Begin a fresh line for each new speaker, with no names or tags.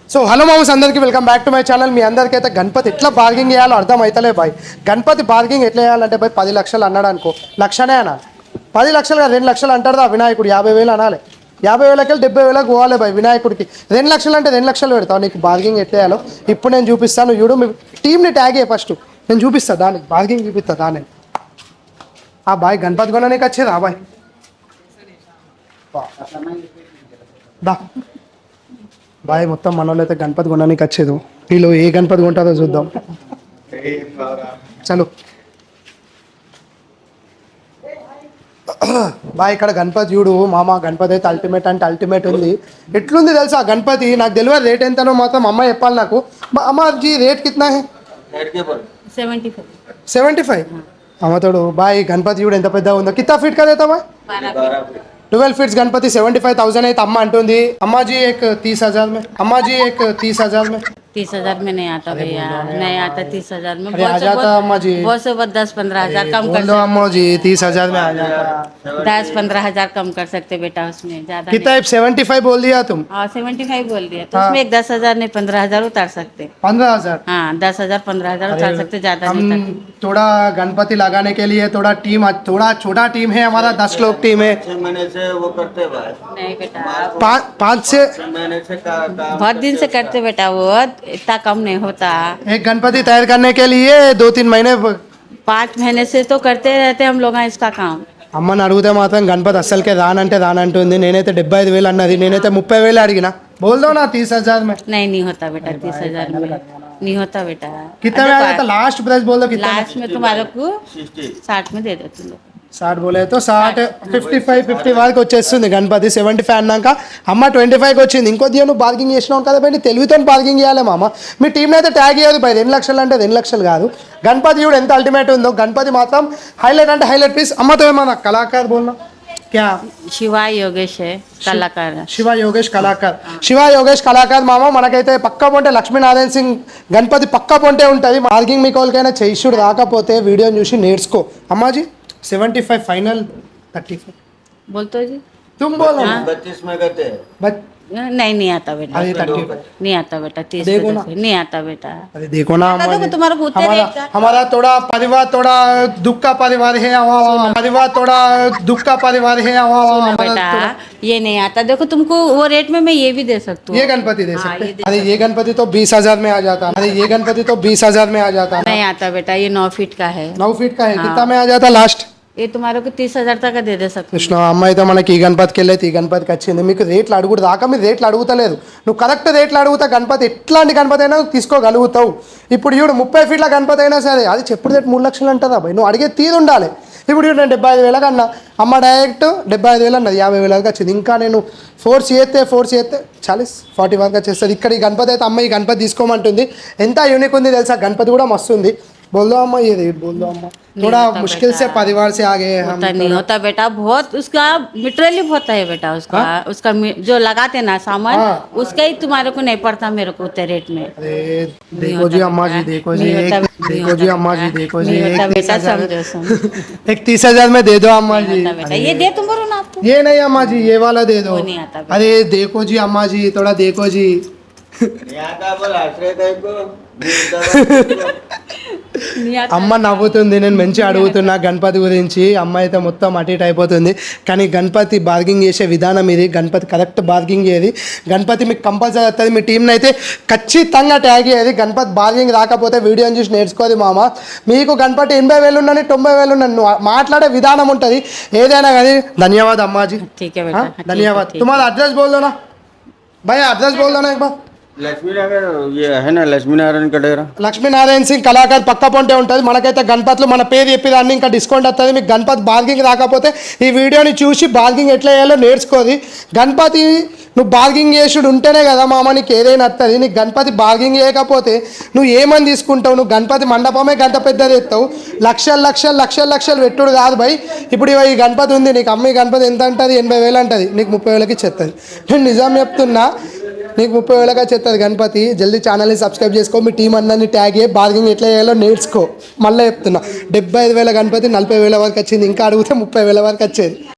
So hello మామూస్ అందరికీ welcome back to my channel. మీ అందరికైతే గణపతి ఎట్లా బార్గింగ్ చేయాలో అర్థం అవుతలే బాయ్. గణపతి బార్గింగ్ ఎట్లా చేయాలంటే బాయ్ 10 లక్షలు అన్నాడు అనుకో, లక్షనే అనాలి. 10 లక్షలు కాదు 2 లక్షలు అంటాడు వినాయకుడు. 50,000 అనాలి. 50,000కి 70,000 పోవాలి బాయ్ వినాయకుడికి. 2 లక్షలు అంటే 2 లక్షలు పెడతావు. నీకు బార్గింగ్ ఎట్లా చేయాలో ఇప్పుడు నేను చూపిస్తాను. చూడు, మీ టీంని ట్యాగ్ అయ్యి ఫస్ట్ నేను చూపిస్తాను. దానికి బార్గింగ్ చూపిస్తా. దాన్ని ఆ బాయ్ గణపతి కొనడానికి వచ్చేది ఆ బాయ్ దా బాయ్. మొత్తం మన వాళ్ళు అయితే గణపతి కొనడానికి వచ్చేది. వీళ్ళు ఏ గణపతి కొంటారో చూద్దాం. చలో బాయ్, ఇక్కడ గణపతి చూడు మామ. గణపతి అయితే అల్టిమేట్ అంటే అల్టిమేట్ ఉంది. ఎట్లుంది తెలుసా గణపతి? నాకు తెలియదు రేట్ ఎంతనో, మాత్రం అమ్మ చెప్పాలి నాకు. అమ్మాజీ రేట్ కిतना है? 75. అమ్మతోడు బాయ్ గణపతి చూడు ఎంత పెద్దగా ఉందో. కిतना ఫీట్ का देता भाई? 12 फीट्स गणपति 75,000 है. अम्मा अंटूंदी अम्मा जी एक 30,000 में. अम्मा जी एक 30,000 में.
30,000 में नहीं आता भैया, नहीं आता 30,000 में.
अरे आ जाता अम्मा जी.
बहुत से बहुत 10-15 हजार कम कर
बोलो अम्मा जी 30,000 में आ जाता.
10-15 हजार कम कर सकते बेटा, उसमें ज्यादा
कितना 75 बोल दिया तुम?
हाँ 75 बोल दिया तो उसमें एक 10,000 नहीं 15,000 उतार सकते.
15,000.
हाँ 10,000 15,000 उतार सकते, ज्यादा नहीं
हम
उतारते.
थोड़ा गणपति लगाने के लिए थोड़ा छोटा टीम है हमारा. 10 लोग टीम है.
6 महीने से वो करते भाई.
नहीं बेटा
5 से
6 महीने से काम
बहुत दिन से करते बेटा, वो इतना कम नहीं होता.
एक गणपति तैयार करने के लिए 2-3 महीने
5 महीने से तो करते रहते हम लोग इसका काम.
అమ్మని అడిగితే మాత్రం గణపతి అస్సలకే రానంటే రానంటుంది. నేనైతే 75,000 అన్నది, నేనైతే 30,000 అడిగినా. బోల్ దో నా 30,000 में.
नहीं होता बेटा 30,000 में नहीं होता बेटा.
कितना में आ जाता? लास्ट प्राइस बोल दो कितना.
लास्ट में तुम्हारे को 60 में दे दो तुम लोग.
60 बोले तो 60 50 వరకు వచ్చేస్తుంది గణపతి. 75 అన్నాక అమ్మ 25కి వచ్చింది. ఇంకో దియో నువ్వు బార్గింగ్ చేసినావు కదా బయట, తెలివితో బార్గింగ్ చేయాలి మామ. మీ టీంని అయితే ట్యాగ్ చేయదు బై. 2 లక్షలు అంటే 2 లక్షలు కాదు. గణపతి కూడా ఎంత అల్టిమేట్ ఉందో. గణపతి మాత్రం హైలైట్ అంటే హైలైట్ పీస్. అమ్మతో ఏమన్నా కళాకారు బోల్నా क्या?
शिवा योगेश है कलाकार.
శివ యోగేష్ కళాకార్. శివ యోగేష్ కళాకార్ మామ. మనకైతే పక్కా పొంటే లక్ష్మీనారాయణ సింగ్ గణపతి పక్కా పొంటే ఉంటుంది. బార్గింగ్ మీకు వాళ్ళకైనా చేయిషుడు రాకపోతే వీడియోని చూసి నేర్చుకో. అమ్మాజీ 75 फाइनल 35
बोल तो जी.
तुम बोलो.
32 में करते हैं.
बट
नहीं आता बेटा.
अरे 35
नहीं आता बेटा 30
देखो ना.
नहीं आता बेटा.
अरे देखो ना
देखो
हमारे
तुम्हारा भूते रहेगा.
हमारा थोड़ा परिवार थोड़ा दुख का परिवार है. परिवार थोड़ा दुख का परिवार है.
बेटा ये नहीं आता. देखो तुमको वो रेट में मैं ये भी दे सकती हूँ.
ये गणपति दे सकते.
ये दे
अरे ये गणपति तो 20,000 में आ जाता. अरे ये गणपति तो 20,000 में आ जाता.
नहीं आता बेटा, ये 9 फीट का है.
9 फीट का है. कितना में आ जाता लास्ट?
ये तुम्हारे को 30,000 तक का दे सकते.
కృష్ణ అమ్మ అయితే మనకి ఈ గణపతికి వెళ్ళైతే ఈ గణపతికి వచ్చింది. మీకు రేట్లు అడుగుడు దాకా మీరు రేట్లు అడుగుతలేదు. నువ్వు కరెక్ట్ రేట్లు అడుగుతా గణపతి ఎట్లాంటి గణపతి అయినా తీసుకోగలుగుతావు. ఇప్పుడు చూడు 30 ఫీట్ల గణపతి అయినా సరే అది చెప్పుడు రేటు 3 లక్షలు అంటుందా భయ్. నువ్వు అడిగే తీరు ఉండాలి. ఇప్పుడు చూడు నేను 75,000 అన్నా, అమ్మ డైరెక్ట్ 75,000 అన్నది. 50,000 వరకు వచ్చింది. ఇంకా నేను ఫోర్స్ చేస్తే 40 వరకు వచ్చేస్తుంది. ఇక్కడ ఈ గణపతి అయితే అమ్మ ఈ గణపతి తీసుకోమంటుంది. ఎంత యూనిక్ ఉంది తెలుసా. గణపతి కూడా మస్తు ఉంది. बोल दो अम्मा ये रेट बोल दो अम्मा. थोड़ा मुश्किल से परिवार से आ गए हम.
होता नहीं होता बेटा, बहुत उसका मटेरियल होता है बेटा. उसका उसका जो लगाते ना सामान उसका ही तुम्हारे को नहीं पड़ता मेरे को उतने रेट में.
अरे देखो जी अम्मा जी, देखो जी देखो जी अम्मा जी, देखो जी
बेटा समझो
एक 30,000 में दे दो अम्मा जी.
बेटा ये दे तुम बोलो ना आपको.
ये नहीं अम्मा जी, ये वाला दे दो.
नहीं आता.
अरे देखो जी अम्मा जी, थोड़ा देखो जी.
यहाँ का बोल आश्रय टाइप को
అమ్మ నవ్వుతుంది. నేను మంచి అడుగుతున్నా గణపతి గురించి. అమ్మ అయితే మొత్తం అటు ఇటు అయిపోతుంది. కానీ గణపతి బార్గింగ్ చేసే విధానం ఇది. గణపతి కరెక్ట్ బార్గింగ్ చేయది. గణపతి మీకు కంపల్సరీ వస్తుంది. మీ టీంని అయితే ఖచ్చితంగా ట్యాగ్ చేయది. గణపతి బార్గింగ్ రాకపోతే వీడియోని చూసి నేర్చుకోదు మామ. మీకు గణపతి 80,000 ఉండని 90,000 ఉండని మాట్లాడే విధానం ఉంటుంది ఏదైనా కానీ. ధన్యవాद अम्मा जी.
ठीक है बेटा,
धन्यवाद. तुम्हारा एड्रेस बोल दो ना भैया, एड्रेस बोल दो ना एक बार.
लक्ष्मी नगर ये है ना, लक्ष्मी नारायण का डेरा.
లక్ష్మీనారాయణ సింగ్ కళాకార్ పక్క పొంటే ఉంటుంది. మనకైతే గణపతిలో మన పేరు చెప్పేదాన్ని ఇంకా డిస్కౌంట్ వస్తుంది. మీకు గణపతి బార్గింగ్ రాకపోతే ఈ వీడియోని చూసి బార్గింగ్ ఎట్లా చేయాలో నేర్చుకోది. గణపతి నువ్వు బార్గింగ్ చేసుడు ఉంటేనే కదా మామ నీకు ఏదైనా వస్తుంది. నీకు గణపతి బార్గింగ్ చేయకపోతే నువ్వు ఏమని తీసుకుంటావు. నువ్వు గణపతి మండపమే గంట పెద్దది ఎత్తావు. లక్షలు పెట్టుడు కాదు భయ్. ఇప్పుడు ఈ గణపతి ఉంది నీకు. అమ్మ ఈ గణపతి ఎంత అంటుంది? 80,000 అంటుంది. నీకు 30,000కి ఇచ్చేస్తుంది. నేను నిజం చెప్తున్నా, నీకు 30,000గా చెప్తుంది గణపతి. జల్దీ ఛానల్ని సబ్స్క్రైబ్ చేసుకో. మీ టీం అందరినీ ట్యాగ్ అయ్యి బార్గింగ్ ఎట్లా చేయాలో నేర్చుకో. మళ్ళీ చెప్తున్నా 75,000 గణపతి 40,000 వరకు వచ్చింది. ఇంకా అడిగితే 30,000 వరకు వచ్చేది.